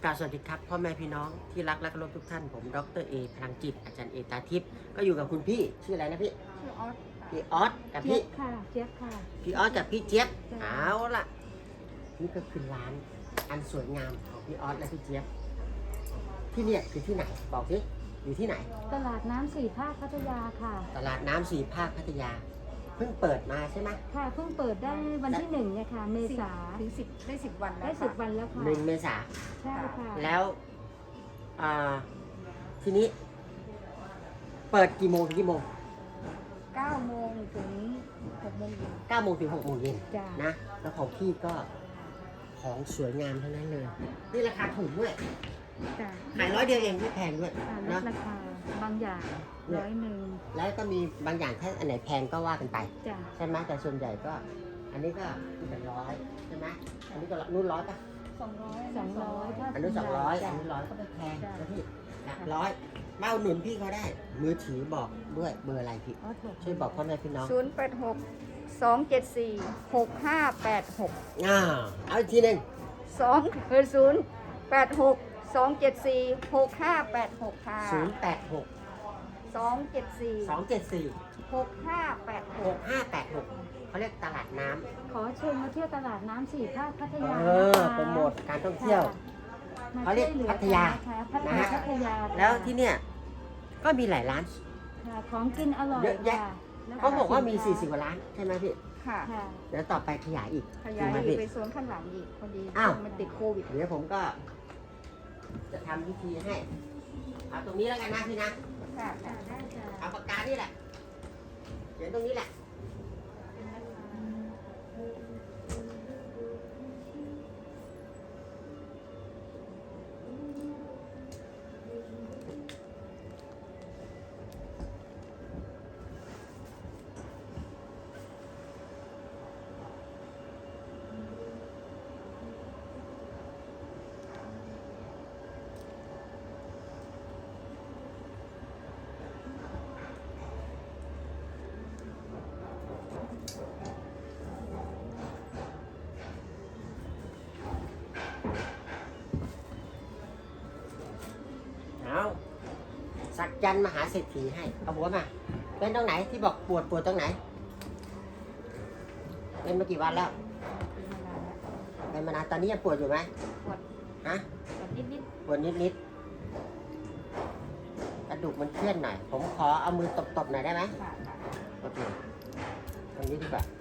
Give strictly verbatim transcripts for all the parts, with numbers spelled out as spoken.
กราบสวัสดีครับพ่อแม่พี่น้องที่รักและเคารพทุกท่านผมดรเอพลังจิตอาจารย์เอตาทิพย์ก็อยู่กับคุณพี่ชื่ออะไรนะพี่ชื่อออสพี่ออสกับเจี๊พี่ยบค่ะเจี๊ยบค่ะพี่ออสกับพี่เจี๊ยบจ้ะเอาล่ะนี่ก็คือร้านอันสวยงามของพี่ออสและพี่เจี๊ยบที่เนี่ยคือที่ไหนบอกสิอยู่ที่ไหนตลาดน้ำสี่ภาคพัทยาค่ะตลาดน้ำสี่ภาคพัทยาเพิ่งเปิดมาใช่ไหมค่ะเพิ่งเปิดได้วันที่หนึ่งเนี่ยค่ะเมษาถึงสิบได้สิบวันแล้วได้สิบวันแล้วค่ะหนึ่งเมษาใช่ค่ะแล้วอ่าทีนี้ เปิดกี่โมงถึงกี่โมงเก้าโมงถึงหกโมงเย็นเก้าโมงถึงหกโมงเย็นจ้านะ แล้วของพี่ก็ของสวยงามทั้งนั้นเลย นี่ราคาถูกด้วยจ้าขายร้อยเดียวเองไม่แพงด้วยอ่าลนะดราคาบางอย่างร้อยหนึ่งแล้วก็มีบางอย่างถ้าอันไหนแพงก็ว่ากันไปจ้าใช่ไหมแต่ส่วนใหญ่ก็ อันนี้ก็เป็นร้อยใช่ไหมอันนี้ก็นู่นร้อยปะสองร้อยสองร้อยถ้าอันนู้นสองร้อยจ้ะอันนี้ร้อยก็ไม่แพงจ้ะนะพี่หลักร้อยมาอุดหนุนพี่เขาได้ มือถือบอกด้วยเบอร์อะไรพี่ออสบอกช่วยบอกพ่อแม่พี่น้องศูนย์แปดหกสองเจ็ดสี่หกห้าแปดหกอ่าเอาอีกทีหนึ่งสองเออศูนย์แปดหกสองเจ็ดสี่หกห้าแปดหกค่ะศูนย์แปดหกสองเจ็ดสี่สองเจ็ดสี่หกห้าแปดหหกกห้าแปดหกเขาเรียกตลาดน้ำขอเชิญมาเที่ยวตลาดน้ำสี่ภาคพัทยาเออโปรโมทการท่องเที่ยว เขาเรียกพัทยาพัทนะยาฮะพัทยาแล้วที่เนี่ยก็มีหลายร้านค่ะของกินอร่อยเยอะแยะค่ะแล้วเขาบอกว่ามีสินสี่สิบค้กว่าร้านใช่ไหมพี่ค่ะค่ะเดี๋ยวต่อไปขยายอีกขยายถูกไหมอีพี่กไปโซนข้างหลังอีกพอดีอ้าวมันติดโควิดเดี๋ยวผมก็ จะทำวิธีให้เอาตรงนี้แล้วกันนะพี่นะค่ะค่ะได้จ้ะเอาปากกานี่แหละเขียนตรงนี้แหละเอาสักยันต์มหาเศรษฐีให้เอาหัวมาเป็นตรงไหนที่บอกปวดปวดตรงไหนเป็นมากี่วันแล้วเป็นมานานตอนนี้ยังปวดอยู่ไหมปวดฮะปวดนิดนิดปวดนิดๆกระดูกมันเคลื่อนหน่อย ผมขอเอามือตบๆหน่อยได้ไหมๆค่ะค่ะโอเคตรงนี้ดีกว่า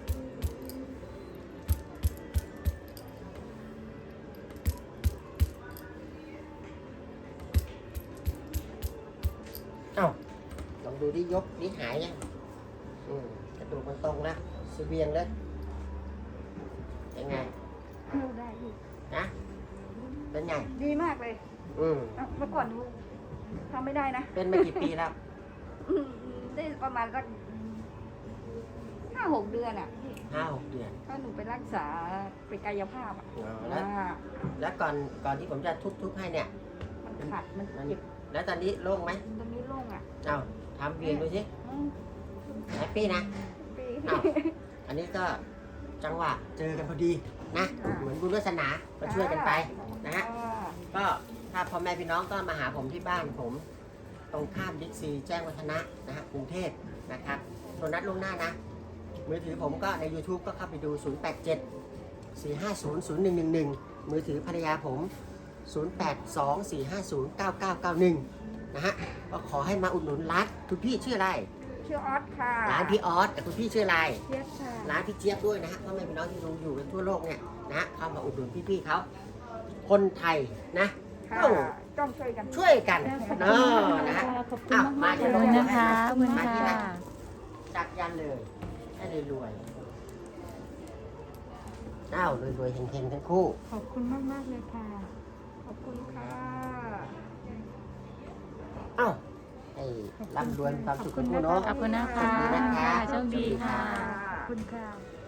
เอ้าลองดูดิยกดิหายยังอืมกระดูกมันตรงแล้วสเวียงแล้วยังไงเที่ยวได้อีกนะเป็นไงดีมากเลยอืมเอ้าเมื่อก่อนหนูทำไม่ได้นะเป็นมากี่ปีแล้วอืมได้ประมาณสักห้าหกเดือนอ่ะพี่ห้าหกเดือนถ้าหนูไปรักษาไปกายภาพอ่ะอ๋อแล้วอ่าแล้วก่อนก่อนที่ผมจะทุบๆให้เนี่ยมันขัดมันมันเจ็บแล้วตอนนี้โล่งไหมตรงนี้โล่งอ่ะเอาทำเวียนดูสิอืมแฮปปี้นะปีอ้าว อันนี้ก็จังหวะเจอกันพอดีนะ เหมือนบุญวาสนาก็ช่วยกันไปนะฮะอ่าก็ถ้าพ่อแม่พี่น้องก็มาหาผมที่บ้านผม ตรงข้ามบิ๊กซีแจ้งวัฒนะนะฮะกรุงเทพนะครับโทรนัดล่วงหน้านะ มือถือผมก็ใน YouTube ก็เข้าไปดู ศูนย์ แปด เจ็ด สี่ ห้า ศูนย์ ศูนย์ หนึ่ง หนึ่ง หนึ่ง มือถือภรรยาผม ศูนย์ แปด สอง สี่ ห้า ศูนย์ เก้า เก้า เก้า หนึ่ง นะฮะ ก็ขอให้มาอุดหนุนร้านคุณพี่ชื่ออะไรชื่อออสค่ะร้านพี่ออสแต่คุณพี่ชื่ออะไรเจี๊ยบค่ะร้านพี่เจี๊ยบด้วยนะฮะพ่อแม่พี่น้องที่ดูอยู่กันทั่วโลกเนี่ยนะฮะเข้ามาอุดหนุนพี่ๆเขาคนไทยนะค่ะต้องต้องช่วยกันช่วยกันเนาะนะฮะขอบคุณมากๆอ้าวเลยมานะคะขอบคุณมาที่ค่ะนั่น จักยันเลยให้รวยๆอ้าวรวยๆเฮงๆทั้งคู่ขอบคุณมากๆเลยค่ะขอบคุณค่ะอ้าวให้ร่ำรวยมีความสุขทุกคู่เนาะขอบคุณนะคะขอบคุณนะคะโชคดีค่ะขอบคุณค่ะขอบคุณค่ะ